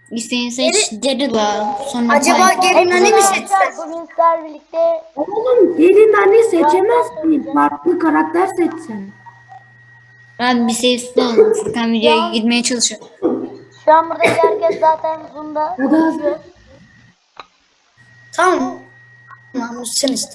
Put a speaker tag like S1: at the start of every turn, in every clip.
S1: İsteyin seç Daryl'a. Sonra
S2: Acaba
S1: Piper.
S2: gelin hani mi seçsek?
S3: Bugün sizler birlikte
S4: Oğlum gelin anne seçemezsin. Farklı karakter seçsen.
S1: Ben bir sesli oldum. Furkan videoya
S3: an-
S1: girmeye çalışıyor.
S3: şu an buradaki herkes zaten Zoom'da
S4: O da
S3: konuşuyor.
S2: Tamam. Tamam sen iste.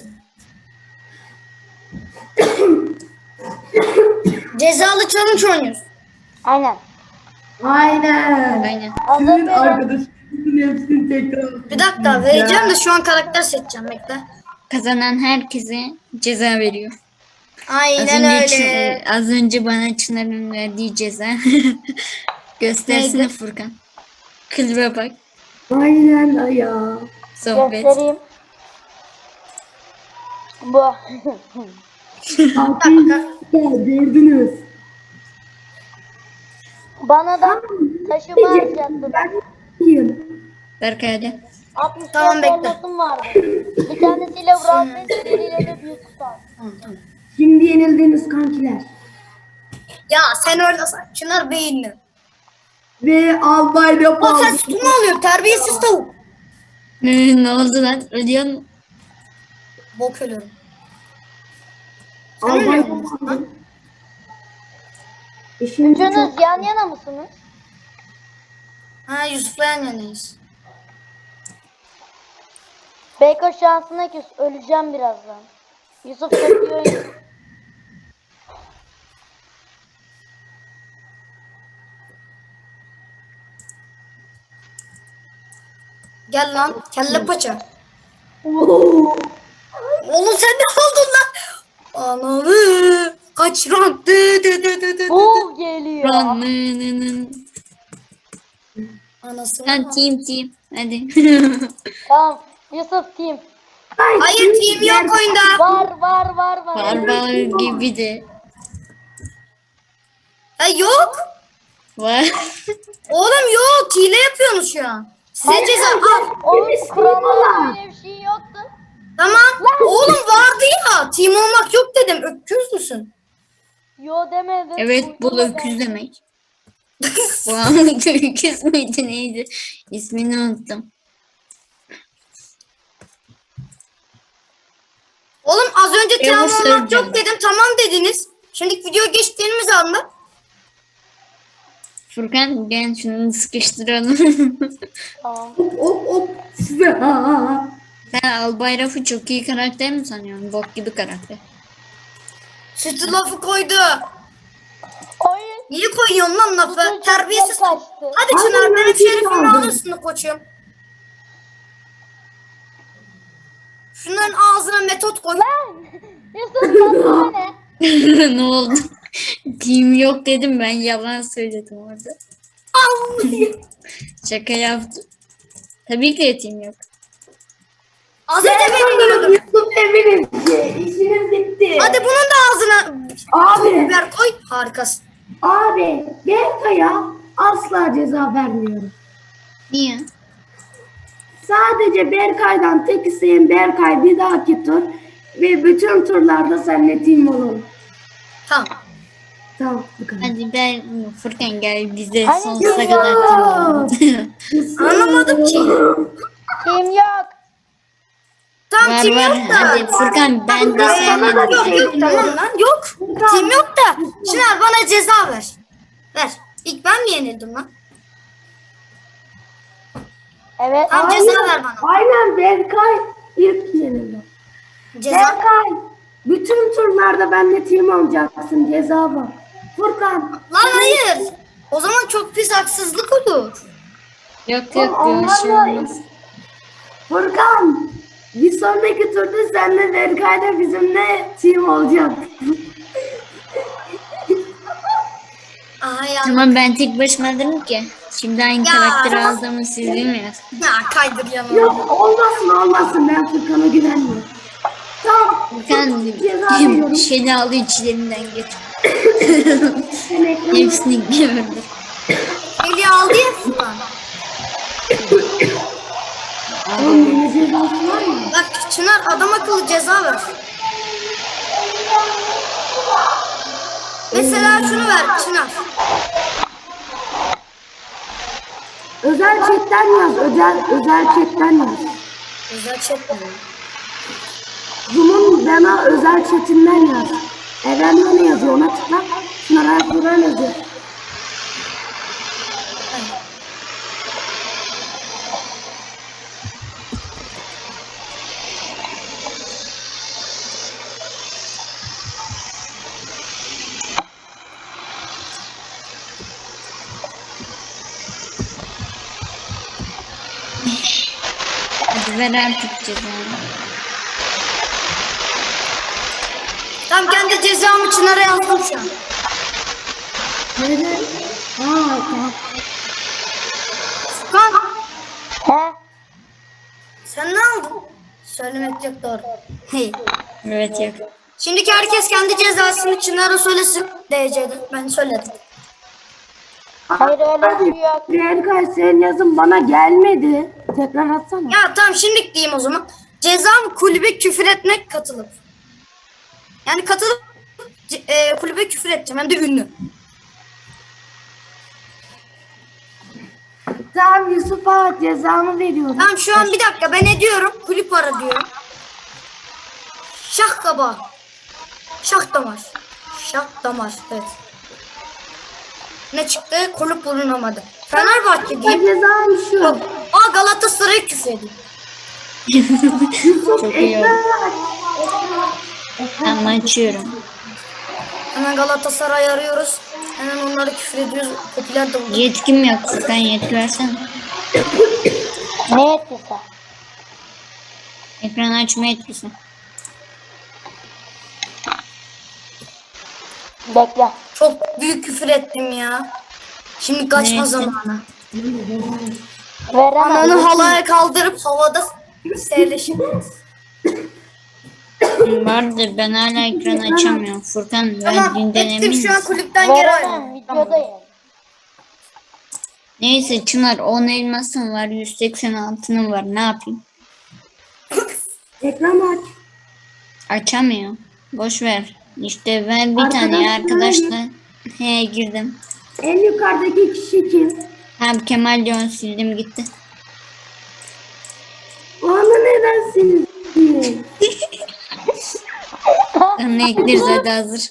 S2: Cezalı challenge oynuyoruz.
S3: Aynen.
S4: Aynen.
S1: Aynen.
S3: Hazır
S4: Sizin
S3: verin.
S4: arkadaşınızın hepsini tekrar.
S2: Bir dakika vereceğim de şu an karakter seçeceğim bekle.
S1: Kazanan herkese ceza veriyor.
S2: Aynen öyle.
S1: Az önce bana Çınar'ın verdiği ceza. Göstersene
S2: Neydi?
S1: Furkan. Klibe bak.
S4: Aynen ya.
S1: Sohbet.
S3: Göstereyim. Bu.
S4: Arkadaşlar gördünüz.
S3: Bana da taşıma alacaktım.
S4: Ben iyiyim.
S1: Berkay hadi.
S3: 64
S2: Tamam, bekle.
S3: elmasım vardı. Bir tanesiyle Brawl Pass, diğeriyle de büyük kutu.
S4: Şimdi yenildiniz kankiler.
S2: Ya sen orada Çınar beyinli.
S4: Ve albay da
S2: O sen sütunu alıyor terbiyesiz tavuk.
S1: Ne oldu lan? Ölüyor musun?
S2: Bok ölüyorum.
S4: albay
S2: ölüyor musun lan?
S4: Şimdi
S3: Üçünüz
S4: çok
S3: yan yana mısınız?
S2: Ha Yusuf'la yan yanayız.
S3: Beyko şansına küs. Öleceğim birazdan. Yusuf çok iyi oynuyor.
S2: Gel lan kelle paça.
S4: Oo.
S2: Oğlum sen ne oldun lan? Ananı. Kaç rank?
S3: Bul geliyor.
S1: Ranının.
S2: Anasını.
S1: Lan team. Hadi.
S3: Tamam. Yusuf team.
S2: Hayır team yok oyunda.
S3: Var.
S1: Barbar gibi de.
S2: Ha yok.
S1: Var.
S2: Oğlum yok. Hile yapıyorsunuz şu an. Size ceza al.
S3: Onun
S4: Birisi
S3: kurallarda
S4: var.
S3: öyle bir şey yoktu.
S2: Tamam. Oğlum vardı ya. Team olmak yok dedim. Öküz müsün?
S3: Yo demedim.
S1: Evet bu
S3: Uydurma
S1: öküz
S3: ben.
S1: demek. Wow, öküz müydü neydi? İsmini unuttum.
S2: Oğlum az önce team
S1: Yavuz
S2: olmak
S1: söyleyeceğim.
S2: yok dedim. Tamam dediniz. Şimdi video geçtiğimiz anda.
S1: Furkan gel şunu sıkıştıralım.
S3: Tamam.
S4: Hop. Size ha.
S1: Sen Albay Raf'ı çok iyi karakter mi sanıyorsun? Bok gibi karakter.
S2: Sütü lafı koydu.
S3: Oyun.
S2: Niye koyuyorsun lan lafı?
S3: Bütün
S2: Terbiyesiz.
S3: çocuklar kaçtı.
S2: Hadi
S4: Aynen,
S2: Çınar
S4: ben
S2: benim
S4: bir şey
S2: şerefimi
S4: aldım.
S2: alırsın koçum. Şunların ağzına metot koy.
S3: Yusuf tatlı ne?
S1: Ne oldu? Team yok dedim ben yalan söyledim orada. Şaka yaptım. Tabii ki de team yok.
S2: Az önce beni diyordun.
S4: Yusuf eminim ki işiniz bitti.
S2: Hadi bunun da ağzına
S4: Abi.
S2: biber koy. Harikasın.
S4: Abi Berkay'a asla ceza vermiyorum.
S1: Niye?
S4: Sadece Berkay'dan tek isteğim Berkay bir dahaki tur ve bütün turlarda seninle team olalım.
S2: Tamam.
S4: Tamam bu kadar.
S1: Hadi ben Furkan gel bize
S3: Hani
S1: sonsuza
S3: team
S1: kadar
S3: yok?
S1: team olalım.
S2: Anlamadım ki.
S3: Kim yok?
S2: Tamam
S1: Var
S2: team
S1: var
S2: yok da.
S1: hadi Furkan ben de seninle
S2: Yok tamam lan yok. Team yok da. Çınar bana ceza ver. Ver. İlk ben mi yenildim lan?
S3: Evet.
S2: Tamam ceza ver bana.
S4: Aynen Berkay ilk yenildi.
S2: Ceza.
S4: Berkay bütün turlarda benimle team olacaksın ceza var. Furkan.
S2: Lan hayır. O zaman çok pis haksızlık olur.
S1: Yok bir şey olmaz.
S4: Furkan. Bir sonraki turda senle Berkay'la bizimle team olacak.
S2: Ay ya.
S1: Tamam ben tek başıma dedim ki. Şimdi aynı
S2: Ya.
S1: karakteri aldığımı siz bilmiyorsunuz.
S2: Ya kaydır yanına.
S4: Yok olmasın ben Furkan'a güvenmiyorum. Tamam.
S1: Furkan
S4: Ceza veriyorum.
S1: şeyini aldı içlerinden geç.
S4: Sen ekranı-
S1: Hepsini gördü.
S2: Eli aldı ya Furkan.
S4: Oğlum yine cezası var mı?
S2: Bak Çınar adam akıllı ceza ver. Mesela şunu ver Çınar.
S4: Özel chatten yaz. Özel chatten yaz.
S2: Özel chat mi?
S4: Zoom'un bana özel chatinden yaz. Eren ne yazıyor ona tıkla. Şunlara Furan yazıyor.
S1: Hadi ver artık cezanı.
S2: Tam kendi cezamı Çınar'a yazdım şu an.
S4: Neden? Tamam.
S2: Kan
S3: He?
S2: sen ne aldın? Söylemek çok doğru. Hey.
S1: Evet yok.
S2: Şimdiki herkes kendi cezasını Çınar'a söylesin. DC'de. Ben söyledim.
S3: Hayır öyle bir şey yok.
S4: Berkay senin yazın bana gelmedi. Tekrar atsana.
S2: Ya tamam şimdilik diyeyim o zaman. Cezam kulübe küfür etmek katılıp. Yani katılıp kulübe küfür edeceğim. Hem de ünlü.
S4: Tamam Yusuf'a cezamı veriyorum.
S2: Tamam şu an bir dakika ben ediyorum. Kulüp ara diyorum. Şah kaba. Şah damar. Şah damar. Evet. Ne çıktı? Kulüp bulunamadı. Fenerbahçe diyeyim.
S4: Cezam şu.
S2: Yok. Aa Galatasaray'ı küfür edeyim.
S4: Yusuf
S1: Çok iyi
S4: ekran
S1: oldu.
S4: aç.
S1: Tamam açıyorum.
S2: Hemen Galatasaray'ı arıyoruz. Hemen onları küfür ediyoruz. Popüler de oldu.
S1: Yetkim yok. Furkan yetki versene.
S3: Ne ettiyse.
S1: Ekran açma yetkisi.
S3: Bekle.
S2: Çok büyük küfür ettim ya. Şimdi kaçma
S1: Neyse.
S2: zamanı.
S3: Veremem.
S2: Ananı halaya kaldırıp havada seyirleşiriz.
S1: Vardı ben hala ekran açamıyorum. Furkan
S2: Tamam
S1: verdiğinden
S2: ettim
S1: emin
S2: şu an
S1: misin?
S2: kulüpten geri
S3: Veremem.
S2: ayrıldım. Tamam.
S3: Videodayım.
S1: Neyse Çınar 10 elmasın var 186'nın var ne yapayım?
S4: Ekran aç.
S1: Açamıyor. Boş ver. İşte ver bir tane arkadaşlar. He girdim.
S4: En yukarıdaki kişi kim?
S1: Hem Kemal Leon sildim gitti.
S4: Onu neden sildin?
S1: Sana ekleriz hadi hazır.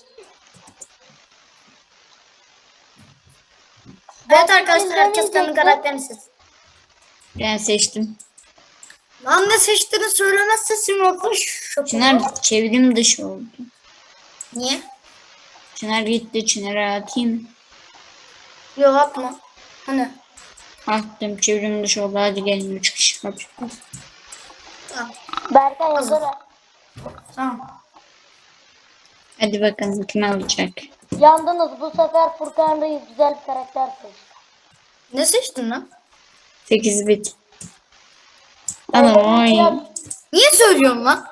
S2: Evet arkadaşlar herkes kendi karakterini seçsin.
S1: Ben seçtim.
S2: Lan ne seçtiğini söylemezse Simok'la şok.
S1: Çınar çevrim dışı oldu.
S2: Niye?
S1: Çınar gitti Çınar'a atayım.
S2: Yok atma. Hani?
S1: Attım çevrim dışı oldu hadi gelin 3 kişi. Hadi.
S2: Tamam.
S3: Berkay hazır.
S2: Tamam.
S1: Hadi bakalım kim alacak.
S3: Yandınız bu sefer Furkan Reis güzel bir karakter seçti.
S2: Ne seçtin lan?
S1: 8 bit. Ama oy.
S2: Niye söylüyorsun lan?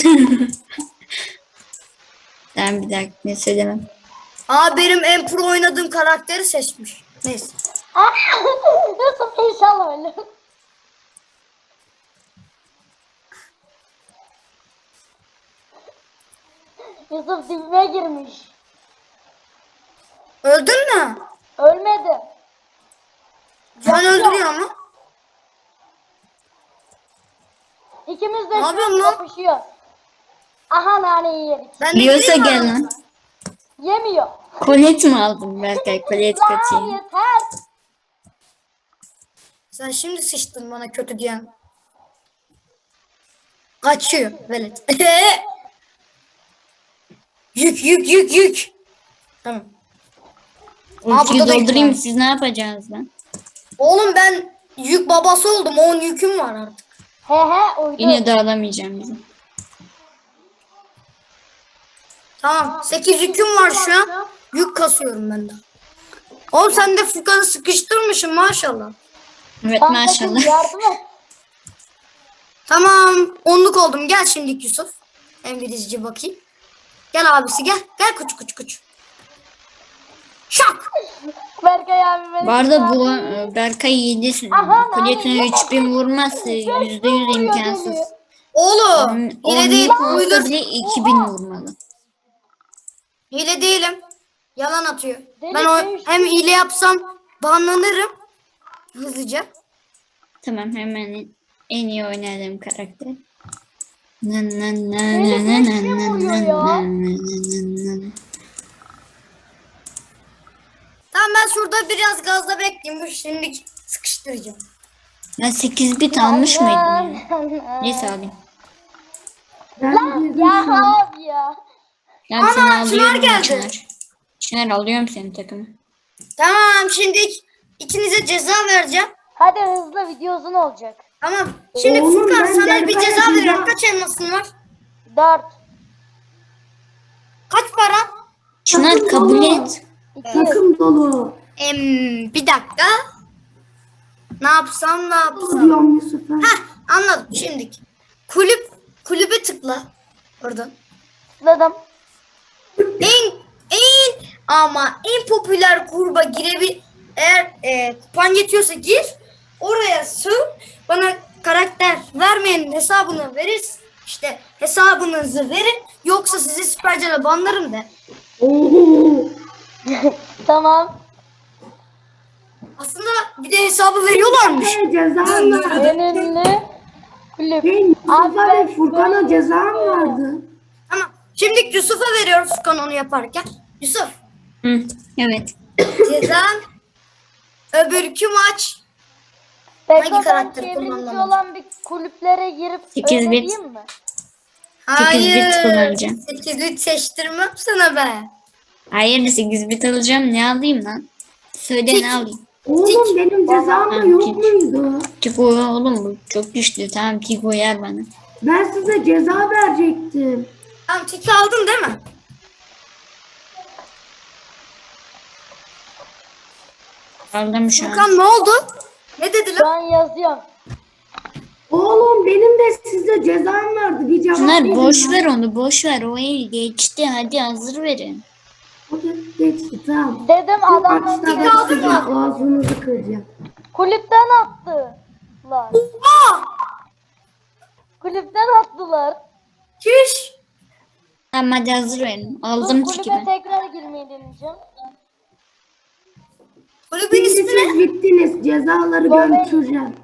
S1: Ben bir dakika ne söylemem.
S2: Aa benim en pro oynadığım karakteri seçmiş. Neyse.
S3: Yusuf inşallah öyle. Yusuf dibime girmiş.
S2: Öldün mü?
S3: Ölmedi.
S2: Ben öldürüyorum lan.
S3: İkimiz de
S2: Ne
S3: şu
S2: yapıyorsun
S3: an
S2: lan?
S3: kapışıyor. Aha naneyi yedik.
S2: Ben de
S1: Diyorsa
S2: gireyim mi
S1: gel
S2: arada?
S1: lan.
S3: Yemiyor.
S1: Kolet mi aldın Berkay? Kolet
S3: Lan
S1: katayım.
S3: yeter.
S2: Sen şimdi sıçtın bana kötü diyen. Kaçıyor velet. Yük. Tamam.
S1: Ultiyi
S2: burada da
S1: doldurayım
S2: yük var.
S1: siz ne yapacaksınız lan?
S2: Oğlum ben yük babası oldum. 10 yüküm var artık.
S3: He uydu.
S1: Yine de alamayacağım bizi.
S2: Tamam. 8 yüküm var şu an. Yük kasıyorum ben de. Oğlum sen de Furkan'ı sıkıştırmışsın maşallah.
S1: Evet
S3: Kankacığım,
S1: maşallah.
S3: yardım et.
S2: Tamam. 10'luk oldum. Gel şimdi Yusuf. İngilizce bakayım. Gel abisi gel. Gel kuç. Şak.
S3: Berkay abi beni
S1: Bu arada
S3: kurtar.
S1: bu Berkay 7
S3: Aha,
S1: kuletine
S3: nane.
S1: 3000 vurmazsa %100 imkansız.
S2: Oğlum. Hile değil.
S1: Yük olsa
S2: Uydur.
S1: bile 2000 vurmalı.
S2: Hile değilim. Yalan atıyor.
S3: Deli
S2: Ben o,
S3: değiş.
S2: hem hile yapsam banlanırım. hızlıca.
S1: Tamam, hemen en iyi oynadığım karakter. Nan nan nan
S3: Beni
S1: nan nan
S3: beşle
S1: nan
S3: vuruyor
S1: nan
S3: ya.
S1: nan nan nan.
S2: Tamam ben şurada biraz gazda bekleyeyim. Bu şimdi sıkıştıracağım.
S1: Ben 8 bit almış mıydım ya? Neyse alayım.
S4: Ben girdim
S3: Ya
S4: şu an.
S3: abi ya.
S1: Ya
S2: Ana,
S1: seni
S2: Çınar
S1: alıyorum
S2: geldi.
S1: Çınar. Çınar alıyorum senin takımı.
S2: Tamam şimdi ikinize ceza vereceğim.
S3: Hadi hızlı, video uzun olacak.
S2: Tamam. Şimdi
S4: Oğlum,
S2: Furkan
S4: ben
S2: sana bir
S4: Berkay'a
S2: ceza veriyorum.
S4: ceza-
S2: Kaç elmasın var?
S3: 4,
S2: Kaç para?
S1: Çınar
S4: Takım
S1: kabul
S4: dolu.
S1: et.
S3: 2.
S4: Takım dolu.
S2: Bir dakika. Ne yapsam?
S4: Diyorum Yusuf'a.
S2: Heh, anladım şimdi. Kulübe tıkla. Oradan.
S3: Tıkladım.
S2: En popüler gruba eğer kupan yetiyorsa gir. Oraya sığ. Bana karakter vermeyenin hesabını veririz. İşte hesabınızı verin. Yoksa sizi süpercele banlarım de.
S4: Oo.
S3: Tamam.
S2: Aslında bir de hesabı veriyorlarmış.
S4: Hey, ceza var.
S3: En ünlü kulüp.
S4: Hey,
S3: Abi
S4: Yusuf'a
S3: ben
S4: ve Furkan'a ceza vardı.
S2: Tamam. Şimdi Yusuf'a veriyoruz Furkan onu yaparken. Yusuf.
S1: Hı, evet.
S2: Cezan öbürkü maç.
S3: Peki
S2: Hangi
S3: ben
S2: karakteri
S3: çevrimiçi
S2: kullanmamız?
S3: olan bir kulüplere girip
S1: 8
S3: öyle
S1: bit.
S3: diyeyim mi?
S1: bit kullanacağım.
S2: 8 bit seçtirmem sana be.
S1: Hayır 8 bit alacağım. Ne alayım lan? Söyle ne alayım?
S4: Oğlum benim cezam da
S1: Tamam,
S4: yok
S1: hiç.
S4: muydu?
S1: Tiko oğlum bu çok güçlü. Tamam Tiko yer bana.
S4: Ben size ceza verecektim.
S2: Tamam tiki aldın değil mi?
S1: Aldım şu an.
S2: Furkan ne oldu? Ne dediler?
S3: Şu an yazıyorum.
S4: Oğlum benim de size cezam vardı. Bir cevap
S1: Çınar
S4: verin
S1: boş
S4: lan.
S1: ver onu boş ver. O el geçti. Hadi hazır verin.
S4: O da geçti tamam.
S3: Dedim
S4: Bu
S3: adamlar
S4: maçta
S2: Dik
S4: ben
S2: aldın
S4: size
S2: mı?
S4: ağzınızı kıracağım.
S3: kulüpten attılar.
S2: Aa!
S3: Kulüpten attılar.
S2: Çüş.
S1: Tamam hadi hazır verin.
S3: Dur,
S1: Aldım tiki
S3: kulübe
S1: ben.
S3: tekrar girmeyi deneyeceğim.
S2: Kulübün
S4: Şimdi
S2: ismi ne?
S4: siz bittiniz. Cezaları
S3: Lovely.
S4: götüreceğim.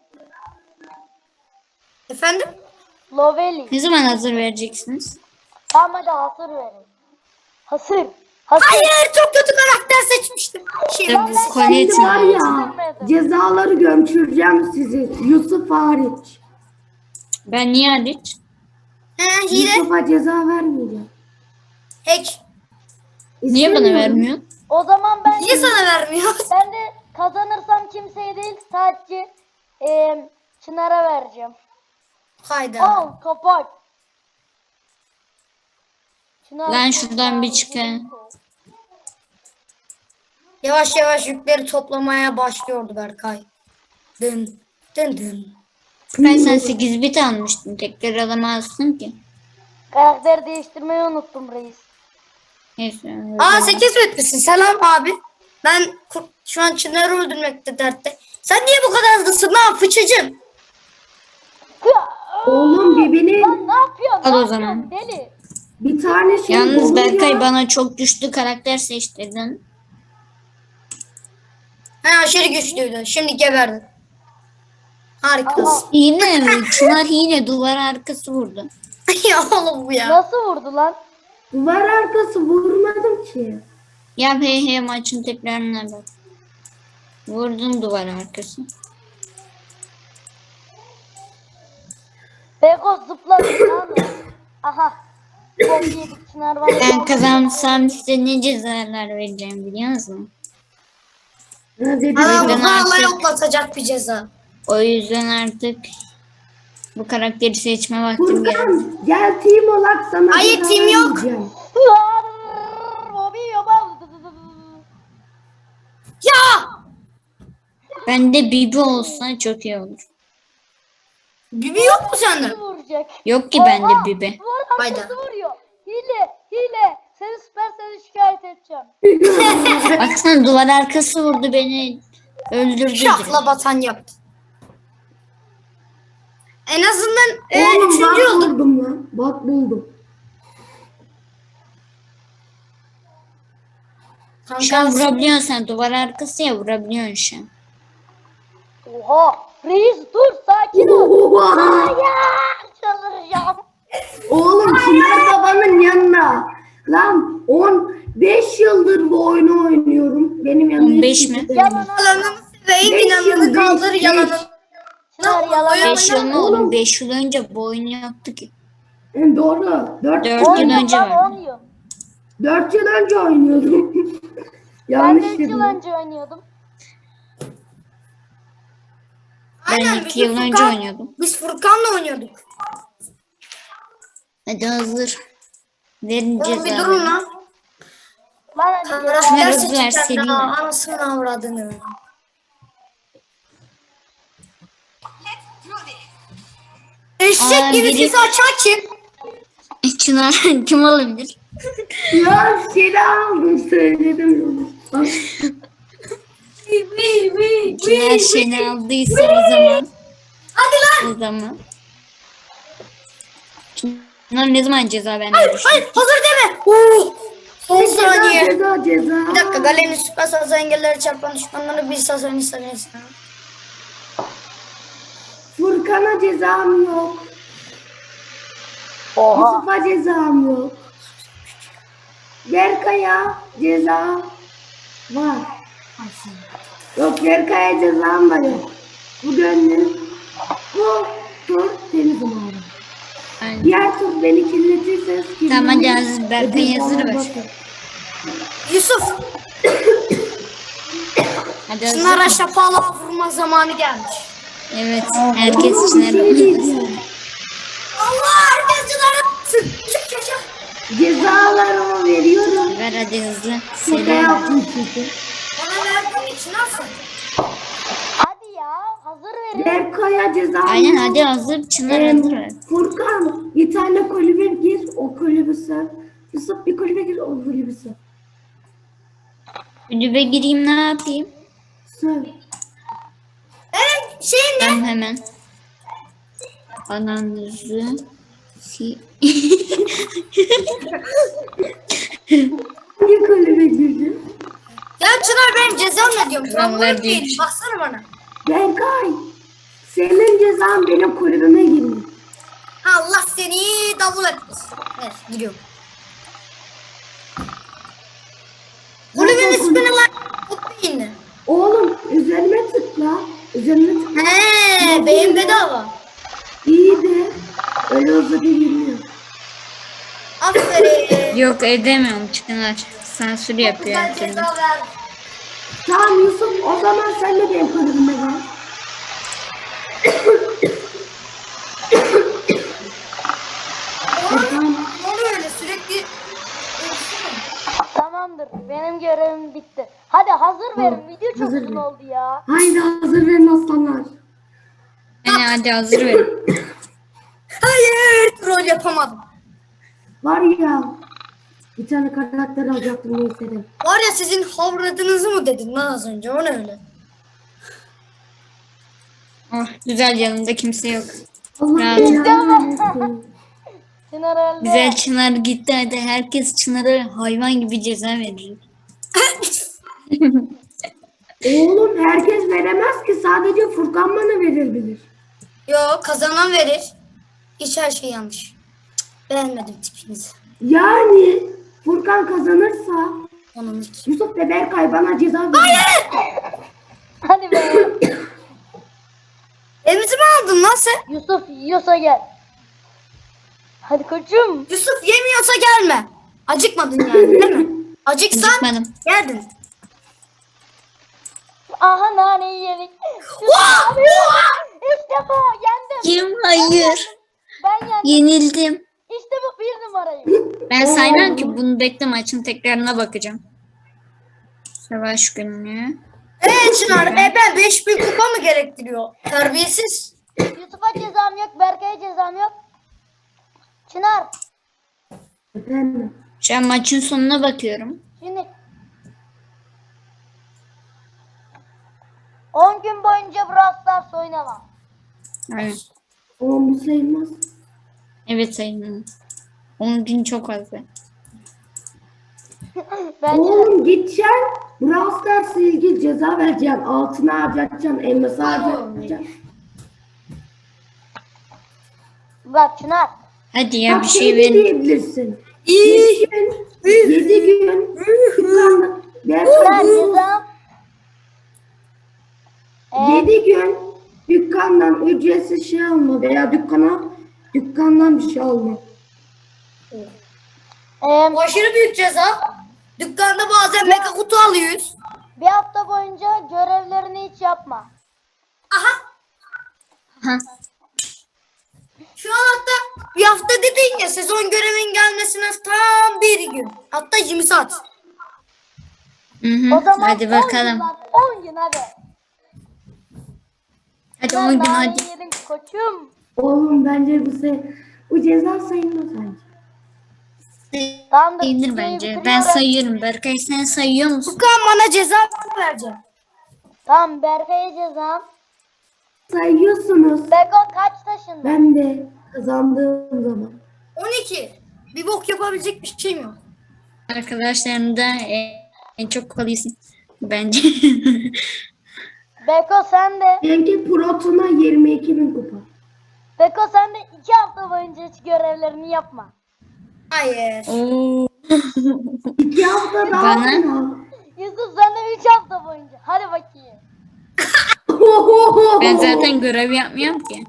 S2: Efendim?
S3: Lovely.
S1: Ne zaman hazır vereceksiniz?
S3: Tamam hadi hasır verin. Hasır. Hasır.
S2: Hayır çok kötü karakter seçmiştim. Şimdi
S1: Tabii, kolye
S4: Şimdi var ya
S3: Götürmedim.
S4: cezaları götüreceğim sizi. Yusuf hariç.
S1: Ben niye hariç?
S2: hile.
S4: Yusuf'a ceza vermeyeceğim.
S2: Hack.
S1: Niye bana
S4: İstemiyorum.
S1: vermiyor?
S3: O zaman ben
S2: Niye sana vermiyor?
S3: ben de kazanırsam kimseye değil sadece Çınar'a vereceğim.
S2: Hayda.
S3: Al kapak. Çınar,
S1: Lan şuradan bir çıkayım.
S2: Yavaş yavaş yükleri toplamaya başlıyordu Berkay. Dın dın dın.
S1: Ben sen 8 bit almıştın. Tekrar alamazsın ki.
S3: Karakter değiştirmeyi unuttum reis.
S1: Neyse.
S2: Aa 8 bitmişsin. Selam abi. Ben şu an Çınar'ı öldürmekte dertte. Sen niye bu kadar hızlısın lan fıçıcım?
S4: Oğlum birbirine
S3: Lan ne yapıyorsun?
S1: Al
S3: Ne
S1: o
S3: yapıyorsun
S1: zaman.
S3: deli?
S4: bir tane şey
S1: Yalnız
S4: oluyor.
S1: Berkay bana çok güçlü karakter seçtirdin.
S2: He aşırı güçlüydü. Şimdi geberdi. Harikasın.
S1: Hile mi? Çınar hile duvar arkası vurdu.
S2: Ya oğlum bu ya.
S3: Nasıl vurdu lan?
S4: Duvar arkası vurmadım ki.
S1: Ya he maçın tekrarına bak. Vurdun duvar arkası.
S3: Beko zıpladı lan. Aha. Bok yedik Çınar bana.
S1: Ben kazansam size ne cezalar vereceğim biliyor musun?
S4: Ne dedi?
S2: Aa,
S1: yüzden
S2: bu hala
S1: artık-
S2: yoklatacak bir ceza.
S1: O yüzden artık bu karakteri seçme vaktim geldi.
S4: Furkan gel team olarak sana
S2: Hayır,
S4: ceza
S2: team yok.
S4: vermeyeceğim.
S3: Bobby yapalım.
S2: Ya!
S1: Bende Bibi olsa çok iyi olur.
S2: Bibi yok mu sende?
S3: Vuracak.
S1: Yok ki bende Bibi.
S3: Vur
S2: Hayda.
S3: arkası vuruyor. Hile. Seni seni şikayet edeceğim.
S1: Baksana duvar arkası vurdu beni. Öldürdü
S2: Şakla
S1: direkt.
S2: batan yaptı. En azından
S4: Oğlum
S2: üçüncü
S4: bak
S2: olduk.
S4: buldum lan. Bak buldum.
S1: Şu an vurabiliyorsun sen. Duvar arkası ya vurabiliyorsun şu an.
S3: Oha. Reis dur sakin ol.
S4: Oha!
S3: Ya çıldıracağım.
S4: Oğlum Çınar babanın yanına. Lan 15 yıldır bu oyunu oynuyorum. Benim yanımda
S1: 15
S4: hiç
S1: mi?
S4: kimse
S3: Yalan
S4: değil.
S2: Yalanını seveyim,
S4: Beş
S2: inanını
S4: yıl,
S2: kaldır
S4: beş.
S2: yalanını.
S3: Çınar yalan
S1: 5 yıl mı
S4: Oğlum.
S1: oğlum? 5 yıl önce bu oyunu yaptık ki.
S4: Doğru. 4
S1: Dört
S3: 10
S1: yıl
S3: yıl
S1: önce
S3: lan
S1: vardı.
S3: 10 yıl.
S4: 4 yıl önce oynuyordum.
S3: Ben
S4: Yanlış
S3: de 3 yıl
S4: dedim.
S3: önce oynuyordum.
S1: Ben
S2: Aynen,
S1: 2 yıl
S2: biz
S1: önce
S2: Furkan-
S1: oynuyordum.
S2: Biz Furkan'la oynuyorduk.
S1: Hadi hazır. Verin
S2: Oğlum bir durun
S1: cezaları.
S2: lan.
S3: Lan hadi
S2: Kamerası
S1: Çınar
S2: ders
S1: hızlı ver,
S2: edeceğim
S1: seri
S2: ya.
S1: ver.
S2: Anasını avradını. Eşek
S1: Aa,
S2: gibi
S1: biri-
S2: sesi açan kim?
S1: Çınar kim olabilir?
S4: Ya seni aldım söyledim. Bak.
S1: Çınar seni aldıysa o zaman.
S2: Hadi lan.
S1: O zaman. Çınar ne zaman ceza vermeye
S2: Hayır,
S1: düşünüyor?
S2: hazır deme. Son
S4: Ceza
S2: saniye.
S4: ceza ceza.
S2: Bir dakika, Galen'in süper sazı engelleri çarpan düşmanları bir sazını istemeyiz.
S4: Furkan'a cezam yok.
S3: Oha.
S4: Yusuf'a cezam yok. Berkay'a ceza var. Yok, Berkay'a cezam da yok. Bu gönlüm. Bu tur temiz umarım.
S1: Aynen.
S4: Diğer tur beni kirletirseniz
S1: Tamam hadi hazır. Berkay hazır ver.
S2: Yusuf,
S1: Hadi hazır.
S2: Çınar'a şapalığa vurma zamanı gelmiş.
S1: Evet. Herkes
S4: Bir
S1: Çınar'ı
S4: şey diyeceğim.
S2: Allah, herkes Çınar'a vursun. Çık yaşa.
S4: Cezalarımı veriyorum.
S1: ver hadi hızlı.
S4: Şaka
S1: Seri.
S4: yaptım çünkü.
S2: Bana verdiğin için nasıl?
S3: Hadi ya hazır verin.
S4: Berkay'a cezam
S1: Aynen
S4: yok.
S1: hadi hazır. Çınar hazır ver.
S4: Furkan bir tane kulübe gir, o kulübü sar. Yusuf bir kulübe gir, o kulübü sar.
S1: Kulübe gireyim ne yapayım?
S4: Sar.
S2: Evet, şeyin ne?
S1: Ben hemen. Ananızı
S4: Hangi kulübe girdin?
S2: Ya Çınar, benim cezam ne diyorum?
S1: Ben
S2: Ben
S1: ver
S2: değil.
S1: değil.
S2: Baksana bana.
S4: Berkay, senin cezan benim kulübüme girmek.
S2: Allah seni davul etmesin. Evet, gidiyorum. Kulübün ismini lan. Kutlayın.
S4: Oğlum üzerime tıkla. Üzerime tıkla.
S2: He, beyin bedava.
S4: İyi de öyle uzata girmiyor.
S2: Aferin.
S1: Yok edemiyorum Çınar. Sansür yapıyor
S2: Güzel
S1: kendini.
S2: ceza ver.
S4: Tamam Yusuf, o zaman sen de benim kulübüme gel.
S2: Ne oluyor öyle sürekli?
S3: Tamamdır. Benim görevim bitti. Hadi hazır verin. Video çok
S4: hazır
S3: uzun
S4: ver.
S3: oldu ya.
S4: Haydi hazır verin aslanlar.
S1: Yani hadi hazır verin.
S2: Hayır, rol yapamadım.
S4: Var ya, bir tane karakter alacaktım neyse de.
S2: Var ya, sizin havradınızı mı dedin lan az önce? O ne öyle?
S1: Oh güzel yanımda kimse yok.
S4: Allah
S1: Ya,
S4: belanı versin.
S3: Çınar öldü.
S1: Güzel Çınar gitti hadi herkes Çınar'a hayvan gibi ceza verir.
S4: Oğlum herkes veremez ki, sadece Furkan bana verebilir.
S2: Yo, kazanan verir. Hiç her şey yanlış. Cık, beğenmedim tipinizi.
S4: Yani Furkan kazanırsa
S2: Onun
S4: Yusuf ve Berkay bana ceza verir.
S3: Hadi be.
S2: Elimizi mi aldın lan sen?
S3: Yusuf yiyorsa gel. Hadi koçum.
S2: Yusuf yemiyorsa gelme. Acıkmadın yani değil mi? Acıksan
S1: Acıkmadım.
S2: geldin.
S3: Aha naneyi yedik. İşte bu. Yendim.
S1: Kim? Hayır.
S3: Ben yendim.
S1: Yenildim.
S3: İşte bu bir numarayım.
S1: Ben saymam ki bunu bekle maçın tekrarına bakacağım. Savaş günlüğü.
S2: Çınar, ben 5000 kupa mı gerektiriyor? Terbiyesiz.
S3: Yusuf'a cezam yok. Berkay'a cezam yok. Çınar.
S4: Efendim.
S1: Şu an maçın sonuna bakıyorum.
S3: Şimdi 10 gün boyunca Brawl Stars oynamam.
S1: Evet.
S4: Oğlum bu sayılmaz.
S1: Evet sayın. 10 gün çok fazla.
S3: Bence de.
S4: Oğlum gideceksin. Brawl Stars'la ilgili ceza vereceksin. Altına harcatacaksın. Elması harcatacaksın.
S3: Bak Çınar.
S1: Hadi ya
S4: Bak
S1: bir
S4: şey
S1: şey
S4: de
S1: verin.
S4: diyebilirsin.
S2: İyi.
S4: 7 gün dükkandan
S3: Çınar ceza.
S4: 7 gün dükkandan ücretsiz şey alma veya dükkandan bir şey alma.
S2: Bu aşırı büyük ceza. Dükkanda bazen mega kutu alıyoruz.
S3: Bir hafta boyunca görevlerini hiç yapma.
S2: Aha.
S1: Ha.
S2: Şu an hatta bir hafta dedin ya, sezon görevin gelmesine tam bir gün. Hatta 20 saat.
S1: Hı hı.
S3: O zaman
S1: Hadi
S3: 10 gün
S1: bakalım.
S3: lan, 10 gün hadi.
S1: Hadi
S3: Çınar,
S1: 10 gün
S3: naneyi
S1: hadi.
S3: yedin koçum.
S4: Oğlum bence bu ceza sayılmaz bence.
S3: Tamamdır.
S1: İyidir
S3: videoyu
S1: bence. Ben
S3: bitiriyorum.
S1: sayıyorum. Berkay sen sayıyor musun?
S2: Furkan bana ceza verecek.
S3: Tamam Berkay'a cezam.
S4: Sayıyorsunuz.
S3: Beko kaç taşında?
S4: Ben de kazandığım zaman.
S2: 12. Bir bok yapabilecek bir şeyim yok.
S1: Arkadaşlarımda en çok kalıyorsun. Bence.
S3: Beko sen de.
S4: Benimki Proton'a 22.000 kupa.
S3: Beko sen de 2 hafta boyunca hiç görevlerini yapma.
S2: Hayır.
S1: Oo.
S4: 2 hafta daha
S1: Bana?
S4: mı?
S3: Yusuf sen de 3 hafta boyunca. Hadi bakayım.
S1: Ben zaten görev yapmıyorum ki.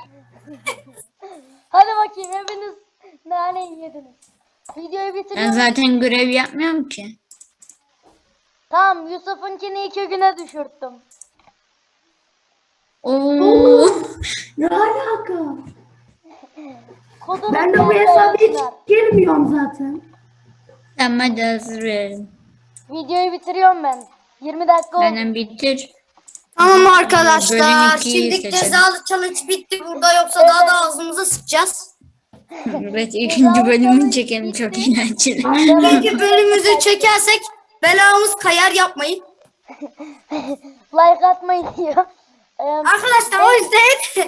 S3: Hadi bakayım hepiniz naneyi yediniz. Videoyu
S1: Ben
S3: bitiriyorum.
S1: zaten görev yapmıyorum ki.
S3: Tamam Yusuf'unkini 2 güne düşürttüm.
S1: Oo.
S4: Ne alaka?
S3: Kodunu
S4: Ben de bu
S3: Berkay'a
S4: hesaba hiç
S3: Çınar.
S4: girmiyorum zaten.
S1: Tamam hadi hazır verelim.
S3: Videoyu bitiriyorum ben. 20 dakika oldu.
S1: Benden bitir.
S2: Tamam
S1: Bölüm
S2: arkadaşlar.
S1: ikiyi
S2: Şimdi
S1: seçelim.
S2: cezalı challenge bitti burada, yoksa daha da ağzımıza sıkacağız.
S1: Evet ikinci bölümünü çekelim çok eğlenceli.
S2: İkinci bölümümüzü çekersek belamız kayar, yapmayın.
S3: Like atmayın diyor.
S2: Arkadaşlar o yüzden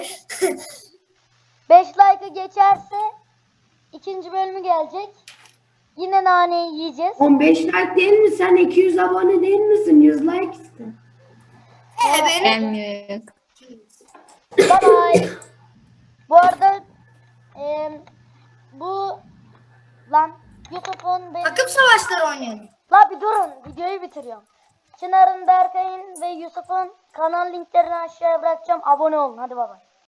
S3: 5 like'ı geçerse ikinci bölümü gelecek. Yine naneyi yiyeceğiz.
S4: 15 like değil mi? Sen 200 abone değil misin? 100 like iste.
S2: benim
S1: Gelmiyor.
S3: Bye bye. Bu arada bu lan Yusuf'un
S2: takım savaşları oynayalım.
S3: La bir durun videoyu bitiriyorum. Çınar'ın, Berkay'ın ve Yusuf'un kanal linklerini aşağıya bırakacağım. Abone olun hadi baba.